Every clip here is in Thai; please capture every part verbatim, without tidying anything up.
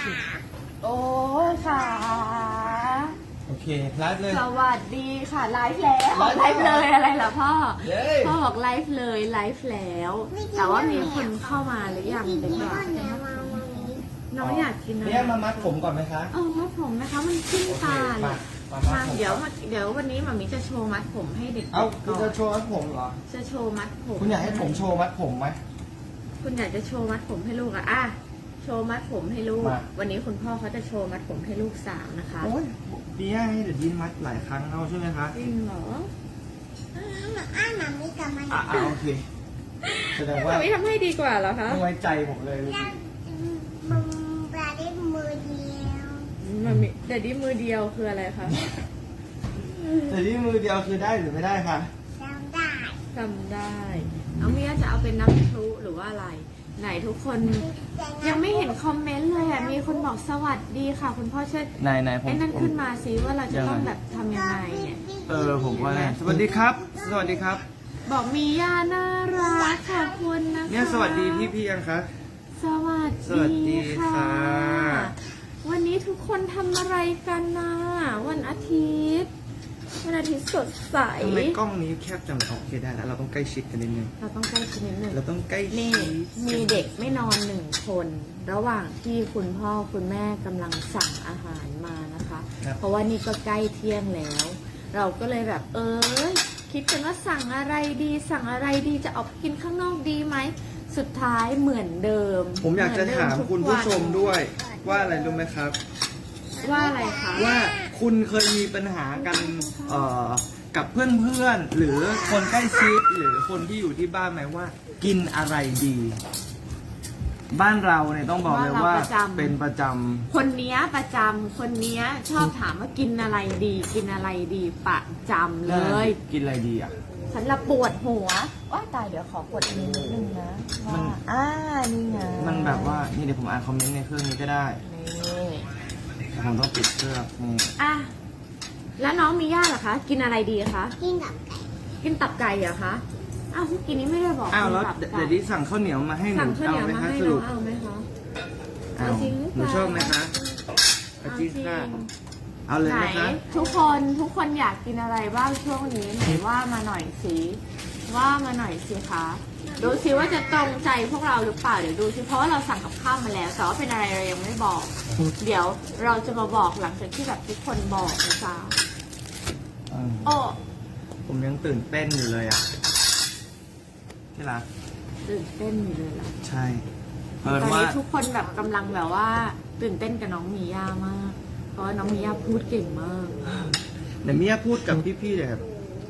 สิโอ้ค่ะโอเคไลฟ์เลยสวัสดีค่ะไลฟ์แล้วไลฟ์เลยอะไรเหรอพ่อเย้พ่อบอกไลฟ์เลยไลฟ์แล้ว แต่ว่ามีคนเข้ามาหรือยังเดี๋ยวก่อนน้องอยากกินอะไรเนี่ยมามัดผมก่อนไหมคะเออมัดผมนะคะมันขึ้นโอเคตาเลมาย มามัมาดผมเดี๋ยวมาเดี๋ยววันนี้หมามิจะโชว์มัดผมให้เด็กๆเอ้าคุก่ณอจะนโชว์มัดผมเหรอจะโชว์มัดผมคุณอยากให้ผมโชว์มัดผมไหมคุณอยากจะโชว์มัดผมให้ลูกอะอ่ะโชว์มัดผมให้ลูกมาวันนี้คุณพ่อเขาจะโชว์มัดผมให้ลูกสาวนะคะโอ้ยดีให้เดี๋ยวยินมัดหลายครั้งเอาใช่ไหมคะจริงเหรออ้ามาไม่กับมันอ่ะอ่ะโอเคแสดงว่าหมามิทำให้ดีกว่าเหรอคะไม่ไว้ใจผมเลยยังมึงปลาได้มือเดียวหมามิแต่ดีมือเดียวคืออะไรคะแต่ที่มือเดียวคือได้หรือไม่ได้คะจำได้จำได้น้องเมียจะเอาเป็นน้ำพลุหรือว่าอะไร ไหนทุกคนยังไม่เห็นคอมเมนต์เลยอ่ะมีคนบอกสวัสดีค่ะ คุณพ่อช่วยนายนายผมไอ้นั่นผมขึ้นมาสิว่าเราจะต้องยังไงแบบทำยังไงเนี่ยเออผมว่าแน่สวัสดีครับ สวัสดีครับบอกมีย่าน่ารักค่ะคุณนะคะเนี่ยสวัสดีพี่พี่ยังคะสวัสสวัสดีดีค่ะค่ะวันนี้ทุกคนทำอะไรกันนะวันอาทิตย์วันอาทิตย์สดใสทำไมกล้องนี้แคบจังโอเคได้แล้วเราต้องใกล้ชิดกันนิดนึงเราต้องใกล้ชิดนิดหนึ่งเราต้องใกล้ชินี่ดมีเด็กไม่นอนหนึ่งคน ระหว่างที่คุณพ่อคุณแม่กำลังสั่งอาหารมานะคะครับเพราะว่านี่ก็ใกล้เที่ยงแล้ว เราก็เลยแบบเออคิดกันว่าสั่งอะไรดีสั่งอะไรดีจะออกไปกินข้างนอกดีไหมสุดท้ายเหมือนเดิมผมอยากจะถามเหอนเดิคุณทุกผู้วันชมด้วยว่าอะไรรู้ไหมครับว่าอะไรคะว่าคุณเคยมีปัญหากันเอ่อกับเพื่อนๆหรือคนใกล้ชิดหรือคนที่อยู่ที่บ้านไหมว่า กินอะไรดี บ้านเราเนี่ยต้องบอกเลยว่าเป็นประจคนเนี้ยประจำคนเนี้ยชอบถามว่ากินอะไรดี กินอะไรดีประจำำเลยกินอะไรดีอ่ะฉันละปวดหัวว่าตายเดี๋ยวขอกดอันนี้นิดนึงนะมัว่าน อ่านี่ไงมันแบบว่านี่เดี๋ยวผมอ่านคอมเมนต์ในเครื่องนี้ก็ได้นี่แต่ผมต้องปิดเครื่องนี่อ่ะแล้วน้องมีย่าเหรอคะ กินอะไรดีคะกินกับไก่กินตับไก่เหรอคะอ้าวเมื่อกี้นี้ไม่ได้บอกอ้าวแล้วกินตับเดี๋ยวไก่เดี๋ยวดิสั่งข้าวเหนียวมาให้หนูสั่งข้าวเหนียวไหมมาคะให้สน้อรุงปเอาไหมคะอ้าวเอาจริงหรือเปหนูล่าชอบไหมคะเอาจริงค่ะเอาเลยไหนนะคะทุกคนทุกคนอยากกินอะไรบ้างช่วงนี้ไหนว่ามาหน่อยสิว่ามาหน่อยสิคะดูสิว่าจะตรงใจพวกเราหรือเปล่าเดี๋ยวดูสิเพราะว่าเราสั่งกับข้าวมาแล้วแต่ว่าเป็นอะไรเรายังไม่บอก เดี๋ยวเราจะมาบอกหลังจากที่แบบทุกคนบอกนะจ๊ะอืมโอ้ผมยังตื่นเต้นอยู่เลยอ่ะที่รักตื่นเต้นอยู่เลยล่ะใช่ตเพิ่อนนว่านี้ทุกคนแบบกำลังแบบว่า ตื่นเต้นกับน้องมีย่ามาก เพราะว่าน้องมีย่าพูดเก่งมากเดี๋ยวเมียพูดกับพี่ๆเลยครับ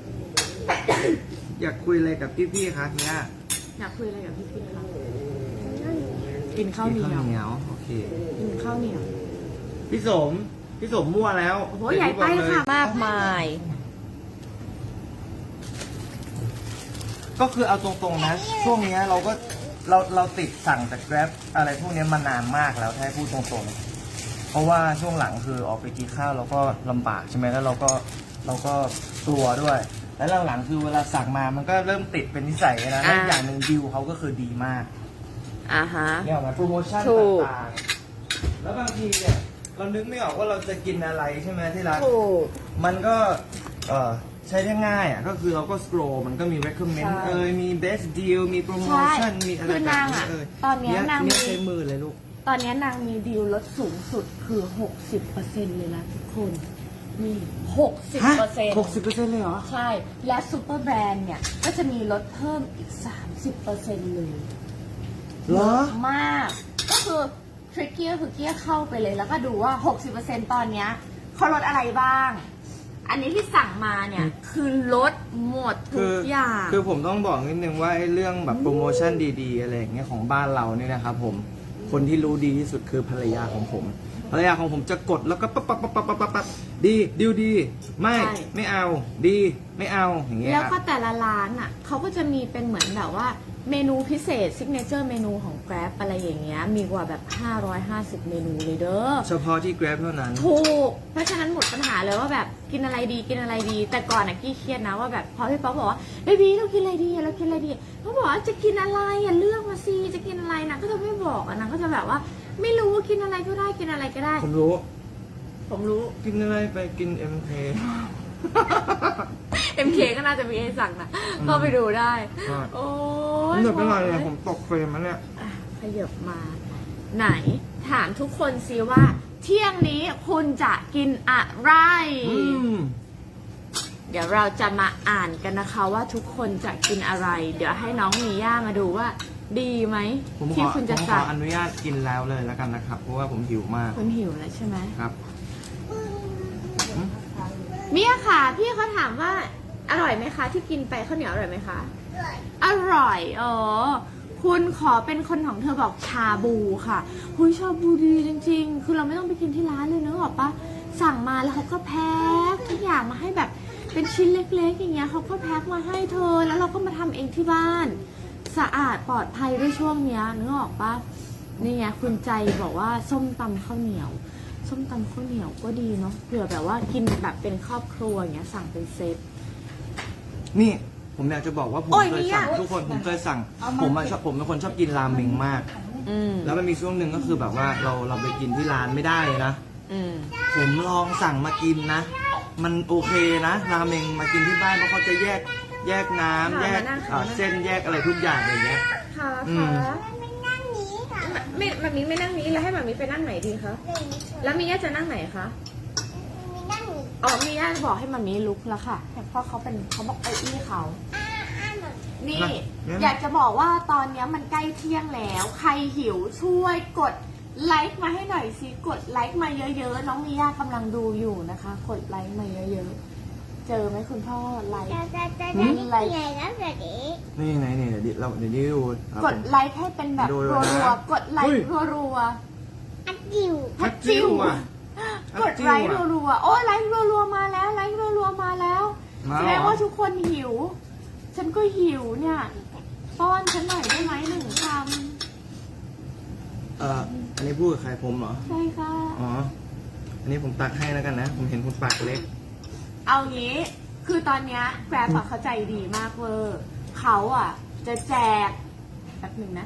อยากคุยอะไรกับพี่ๆคะเมียอยากคุยอะไรกับพี่ๆคะกินข้าวเหนีกิยวเหนียวโอเคกินข้าวเหนียวพี่สม พี่สมมั่วแล้วโอ้โหใหญ่ไปค่ะมากมายก็คือเอาตรงๆนะ ช่วงเนี้ยเราก็เราเราติดสั่งจาก Grab อะไรพวกเนี้ยมานานมากแล้วถ้าให้พูดตรงๆ เพราะว่าช่วงหลังคือออกไปกินข้าวเราก็ลำบากใช่ไหมแล้วเราก็เราก็กลัวด้วย แล้วหลังๆคือเวลาสั่งมามันก็เริ่มติดเป็นนิสัยนะอ่าแล้วอย่างหนึ่งดิวเขาก็คือดีมากอ่าฮะเนี่ยออกมาโปรโมชั่นถูกต่างๆ แล้วบางทีเนี่ยเรานึกไม่ออกว่าเราจะกินอะไรใช่ไหมที่รักถูกมันก็เอ่อใช้ได้ง่ายอ่ะ ก็คือเราก็สครอมันก็มี recommend ใช่เอยมี best deal มีโปรโมชั่น มีอะไรคือแบบนางนี้อ่ะเอยตอนเนี้ยนางเนี่มียใช้มือเลยลูกตอนเนี้ยนางมีดีลลดสูงสุดคือหกสิบเปอร์เซ็นต์เลยนะทุกคนนี่หกสิบเปอร์เซ็นต์หกสิบเปอร์เซ็นต์เลยเหรอใช่ และซูเปอร์แบรนด์เนี่ย ก็จะมีลดเพิ่มอีก สามสิบเปอร์เซ็นต์ เลยเหรอมาก ก็คือทริกเกียคือเกียเข้าไปเลย แล้วก็ดูว่า หกสิบเปอร์เซ็นต์ ตอนเนี้ยเขาลดอะไรบ้าง อันนี้ที่สั่งมาเนี่ย คือลดหมดทุคืกอย่างคือผมต้องบอกนิดนึงว่าไอ้เรื่องแบบโปรโมชั่นดีๆ อะไรอย่างเงี้ยของบ้านเราเนี่ยนะครับผม คนที่รู้ดีที่สุดคือภรรยาของผม ภรรยาของผมจะกดแล้วก็ปั๊บปั๊บปั๊บปั๊บปั๊บปั๊บดีดิวดี ไม่ ไม่เอา ดี ไม่เอา อย่างเงี้ยแล้วคก็รับแต่ละร้านอ่ะเขาก็จะมีเป็นเหมือนแบบว่าเมนูพิเศษซิกเนเจอร์เมนูของ Grab อะไรอย่างเงี้ยมีกว่าแบบห้าร้อยห้าสิบเมนูเลยเด้อเฉพาะที่ Grab เท่านั้นถูก เพราะฉะนั้นหมดปัญหาเลยว่าแบบกินอะไรดีกินอะไรดี แต่ก่อนอะกี้เครียดนะว่าแบบพอพี่ป๊อกบอกว่าเบบี้เรากินอะไรดีเรากินอะไรดีเขาบอกว่าจะกินอะไรอ่ะเลือกมาสิจะกินอะไรนะก็จะไม่บอกอะนะก็จะแบบว่าไม่รู้กินอะไรก็ได้กินอะไรก็ได้ผมรู้ผมรู้กินอะไรไปกิน เอ็ม เคเอ็ม เค ก็น่าจะมีให้สั่งนะก็ไปดูได้ใช่โอ้ผมยเดือดเป็นไรเนี่ยผมตกเฟรมแล้วเนี่ยอ่ะขยับมา ไหน ถามทุกคนซิว่า เที่ยงนี้คุณจะกินอะไรอืมเดี๋ยวเราจะมาอ่านกันนะคะว่าทุกคนจะกินอะไร เดี๋ยวให้น้องมีย่ามาดูว่า ดีไหมผมขที่อคุณผจะมขอสั่งอนุญาตกินแล้วเลยแล้วกันนะครับ เพราะว่าผมหิวมากคุณหิวแล้วใช่ไหมครับเมียค่ะ พี่เขาถามว่า อร่อยไหมคะ ที่กินไปข้าวเหนียวอร่อยไหมคะด้วยอร่อยอ๋อคุณขอเป็นคนของเธอบอกชาบูค่ะหุยชาบูดีจริงๆ คือเราไม่ต้องไปกินที่ร้านเลยเนอะบอกปะสั่งมาแล้วเขาก็แพ็คทุกอย่างมาให้แบบเป็นชิ้นเล็กๆ อย่างเงี้ยเขาก็แพ็คมาให้เธอ แล้วเราก็มาทำเองที่บ้าน สะอาดปลอดภัยด้วยช่วงเนี้ยนึกออกปะนี่ไงคุณใจบอกว่าส้มตำข้าวเหนียว ส้มตำข้าวเหนียวก็ดีเนาะเผื่อแบบว่ากินแบบเป็นครอบครัวอย่างเงี้ยสั่งเป็นเซตนี่ผมอยากจะบอกว่าผมโอ้ยเคยเนี่ยสั่งทุกคนผมเคยสั่ง ผมอะชอบผมเป็นคนชอบกินราเมงมากอืมแล้วมันมีช่วงหนึ่งก็คือแบบว่าเราเราไปกินที่ร้านไม่ได้นะอืมผมลองสั่งมากินนะ มันโอเคนะราเมงมากินที่บ้านเพราะเขาจะแยกแยกน้ำค่ะแยกมานั่งค่ะเอ่อเส้นแยกอะไรทุกอย่างอย่างเงี้ยค่ะอืมค่ะไม่นั่งนี้ค่ะไม่มามีไม่นั่งนี้แล้วให้มามีไปนั่งไหนดีคะหนึ่งแล้วมีย่าจะนั่งไหนคะมีนั่งนี้อ๋อมีย่าบอกให้มามีลุกแล้วค่ะเพราะเขาเป็นเขาบอกไอ้อี้เขาอ่าอ่าหน่อยนี่นะอยากจะบอกว่าตอนนี้มันใกล้เที่ยงแล้ว ใครหิวช่วยกดไลค์มาให้หน่อยสิกดไลค์มาเยอะๆน้องมีย่ากำลังดูอยู่นะคะ กดไลค์มาเยอะๆเจอไหมคุณพ่อไลค์จะจะจะจะนี่คือไงนะแบบนี้นี่ไหนนี่เดี๋ยวดิเราเดี๋ยวนี้ดูครับกดไลค์ให้เป็นแบบดูรัเลยนะวๆกดไลเฮ้ค์ยรัวอัดจิ๋วๆฮัตจิ้วอ่ะกดไลค์รัวๆ โอ้ไลค์รัวๆ มาแล้ว ไลค์รัวๆ มาแล้วมาแสเหรอดงว่าทุกคนหิว ฉันก็หิวเนี่ยป้อนฉันหน่อยได้ไหมหนึ่งคเอ่ออันนี้พูดกับใครผมเหรอำใช่ค่ะอ๋อ อันนี้ผมตักให้แล้วกันนะ ผมเห็นคุณปากเล็กเอางี้ คือตอนเนี้ยแกร็บอะเขาใจดีมากเวอร์เขาอ่ะ จะแจกแป๊บหนึ่งนะ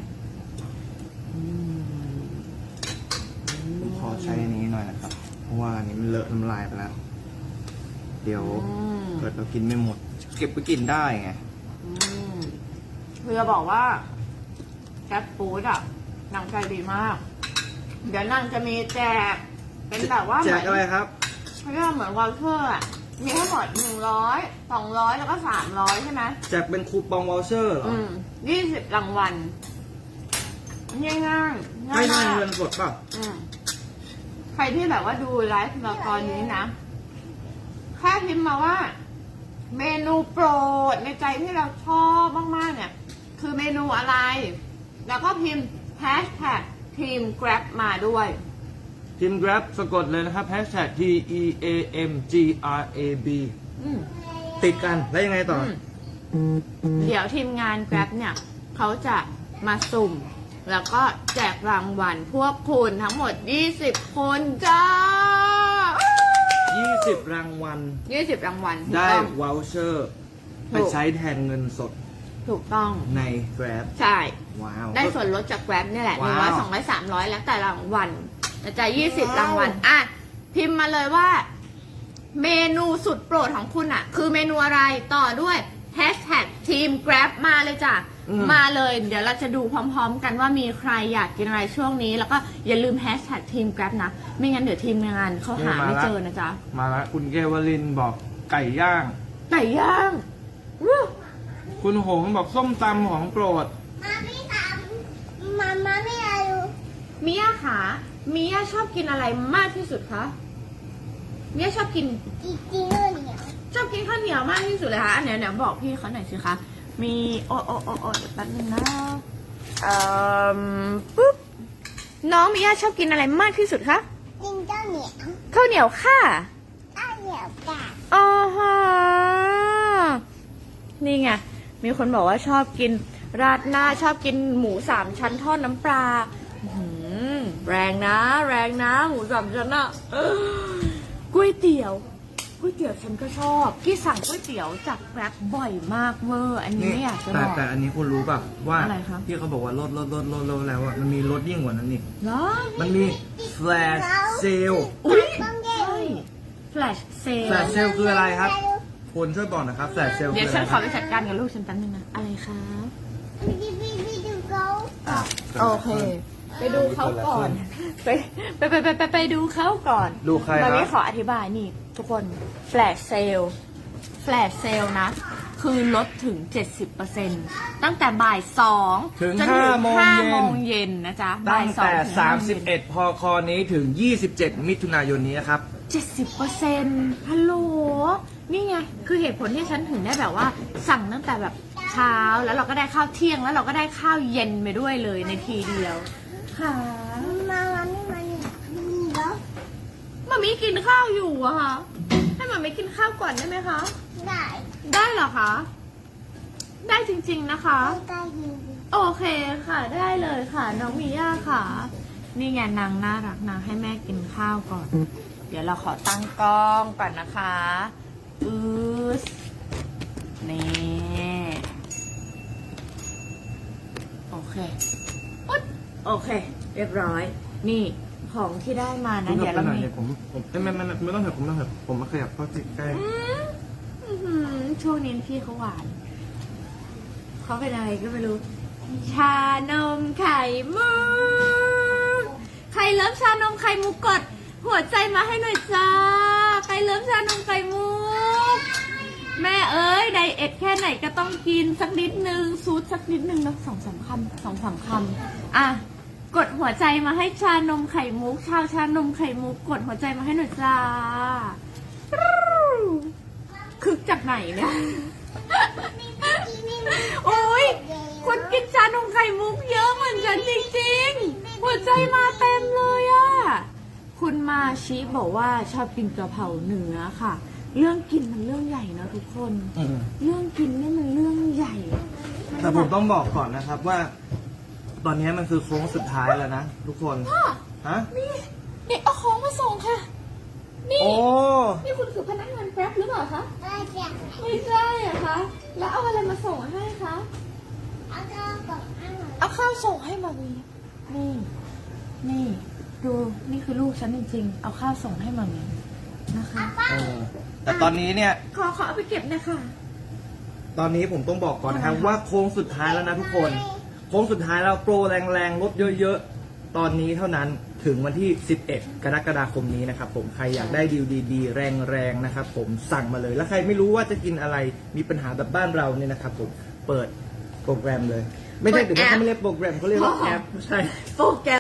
ผมขอใช้อันนี้หน่อยนะครับ เพราะว่าอันนี้มันเลอะน้ำลายไปแล้ว เดี๋ยวอืมเกิดเรากินไม่หมด เก็บไปกินได้ไงอืมคือจะบอกว่าแกร็บฟู้ดอ่ะนางใจดีมาก เดี๋ยวนางจะมีแจก เป็นแบบว่าเหแจมือก นอะไรครับเขาเรียกว่าเหมือนวอลเชอร์อ่ะ มีทั้งหมดหนึ่งร้อยสองร้อยแล้วก็สามร้อยใช่ไหมแจกเป็นคูปองวอลเชอร์เหรออืมยี่สิบรางวัลง่ายง่ายๆง่าไม่ยใช่มากเงินสดป่ะอืมใครที่แบบว่าดูไลฟ์เราตอนนี้นะแค่พิมพ์มาว่า เมนูโปรดในใจที่เราชอบมากๆเนี่ย คือเมนูอะไร แล้วก็พิมพ์แฮชแท็กทีม Grab มาด้วยทีม Grab สะกดเลยนะครับ hashtag T E A M G R A B อืมติดกัน แล้วยังไงต่ออืมเดี๋ยวทีมงาน Grab เนี่ยเขาจะมาสุ่ม แล้วก็แจกรางวัลพวกคุณทั้งหมด ยี่สิบ คนจ้ายี่สิบ รางวัลยี่สิบ รางวัลถูกได้ต้องวอลเชอร์ถูไปกใช้แทนเงินสดถูกต้องใน Grab ใช่ว้าวได้ส่วนลดจาก Grab นี่แหละหนึ่งร้ว้าอยว สองร้อยสามร้อยแล้วแต่รางวัลแต่จะยี่สิบว้าวรางวัลอ่ะ พิมพ์มาเลยว่า เมนูสุดโปรดของคุณอ่ะ คือเมนูอะไรต่อด้วยแฮชแท็กทีม Grab มาเลยจ้ะ มาเลย เดี๋ยวเราจะดูพร้อมๆ กันว่ามีใครอยากกินอะไรช่วงนี้ แล้วก็อย่าลืมแฮชแท็กทีม Grab นะ ไม่งั้นเดี๋ยวทีมงานเขาหาไม่เจอนะจ๊ะมาแล้วคุณเกวลินบอกไก่ย่างไก่ย่างวู้คุณหงบอกส้มตำของโปรดมาไม่ทำมามาไม่เอามิยาคะมิยาชอบกินอะไรมากที่สุดคะมิยาชอบกินจริงจริงเลยเนี่ยชอบกินข้าวเหนียวมากที่สุดเลยคะอันเนี้ยเดี๋ยวบอกพี่เขาหน่อยสิคะ มีโอโอโอโอเดี๋ยวแป๊บนึงนะเอ่อปุ๊บ น้องมิยาชอบกินอะไรมากที่สุดคะจริงเจ้าเหนียวข้าวเหนียวค่ะเจ้าเหนียวกาดอ๋อฮะนี่ไง มีคนบอกว่าชอบกินราดหน้าชอบกินหมูสามชั้นทอดน้ำปลาอื้อหือแรงนะ แรงนะ หมูสามชั้นอะเอ้ยก๋วยเตี๋ยวก๋วยเตี๋ยวฉันก็ชอบพี่สั่งก๋วยเตี๋ยวจากแกร็บบ่อยมากเวอร์อันนี้ไม่อยากจะแต่บอกแต่อันนี้คุณรู้ป่ะว่าอะไรคะที่เขาบอกว่าลดลดลดลดลดแล้วอ่ะมันมีลดยิ่งกว่านั้นอีกเหรอมันมี flash sale อุ้ยต้องเใช่ flash sale flash sale คืออะไรครับคุณช่วยบอกหนะครับ flash sale เดี๋ยวคือฉัอะนไรขอไปจัดการกับลูกฉันแป๊บนึงนะอะไรคะวิดีวิดีดูเขาอ่ะโอเค ไปดูเขาก่อน ไปไปไปไปไปไปดูเขาก่อนดูใครมาคมีรับขออธิบายนี่ ทุกคน flash sale flash sale นะ คือลดถึง เจ็ดสิบเปอร์เซ็นต์ ตั้งแต่บ่ายสองถึงจนห้าโมงห้าเย็นโมงเย็นนะจ๊ะตั้บ่ายงสองแต่ถึงห้าโมงเย็นสามสิบเอ็ดพคนี้ถึงยี่สิบเจ็ดมิถุนายนนี้นะครับเจ็ดสิบเปอร์เซ็นต์ฮัลโหล นี่ไง คือเหตุผลที่ฉันถึงได้แบบว่า สั่งตั้งแต่แบบเช้า แล้วเราก็ได้ข้าวเที่ยง แล้วเราก็ได้ข้าวเย็นไปด้วยเลยในทีเดียว ค่ะมาวันนี้มันมีแล้วมามีกินข้าวอยู่อะค่ะ ให้มามีกินข้าวก่อนได้ไหมคะได้ได้เหรอคะ ได้จริงๆนะคะได้ได้ยินโอเคค่ะ ได้เลยค่ะ น้องมีย่าค่ะ นี่ไงนางน่ารักนางให้แม่กินข้าวก่อน เดี๋ยวเราขอตั้งกล้องก่อนนะคะอืสนี่โอเคอุ๊ยโอเค เรียบร้อย นี่ของที่ได้มานะ เดี๋ยวเรามีผมผมไม่ไม่ไม่ไม่ต้องเถอะผมไม่ต้องเถอะผมมาขยับเข้าใกล้อืมอื้อหือช่วงนี้พี่เขาหวาน เขาเป็นอะไรก็ไม่รู้ ชานมไข่มุก ใครเลิฟชานมไข่มุกกด หัวใจมาให้หน่อยจ้า ใครเลิฟชานมไข่มุก แม่เอ้ยไดเอทแค่ไหนก็ต้องกินสักนิดนึงซูดสักนิดนึงนะสองสามคำสองสามคำอ่ะ กดหัวใจมาให้ชานมไข่มุก ชาวชานมไข่มุก กดหัวใจมาให้หน่อยจ้า คึกจากไหนเนี่ย โอ้ยคุณกินชานมไข่มุกเยอะเหมือนฉันจริงๆ หัวใจมาเต็มเลยอะคุณมาชิบอกว่าชอบกินกะเพราเนื้อค่ะ เรื่องกินมันเรื่องใหญ่นะทุกคนๆอืมเรื่องกินนี่มันเรื่องใหญ่แต่ผมต้องบอกก่อนนะครับว่า ตอนนี้มันคือโค้งสุดท้ายแล้วนะทุกคนพ่อฮะนี่นี่เอาของมาส่งค่ะ นี่โอ้นี่คุณคือพนักงานแกร็บหรือเปล่าคะได้จ้ะไม่ใช่อะคะ แล้วเอาอะไรมาส่งให้คะเอาก็บอกอ้าวเอาข้าวส่งให้มามีนี่ นี่ ดู นี่คือลูกฉันจริงๆ เอาข้าวส่งให้มามีนะคะเออแต่ตอนนี้เนี่ยขอขอเอาไปเก็บนะคะตอนนี้ผมต้องบอกก่อนนะครับอะไรคะว่าโค้งสุดท้ายแล้วนะทุกคน โค้งสุดท้ายแล้วโปรแรงๆลดเยอะๆ ตอนนี้เท่านั้นถึงวันที่ สิบเอ็ด กรกฎาคมนี้นะครับผมใครอยากได้ดีลดีๆ แรงๆนะครับผมสั่งมาเลย แล้วใครไม่รู้ว่าจะกินอะไรมีปัญหาแบบบ้านเราเนี่ยนะครับผมเปิดโปรแกรมเลย ไม่ใช่ถึงว่าเขาไม่เรียกโปรแกรมเขาเรียกว่าแอปใช่โปรแกรม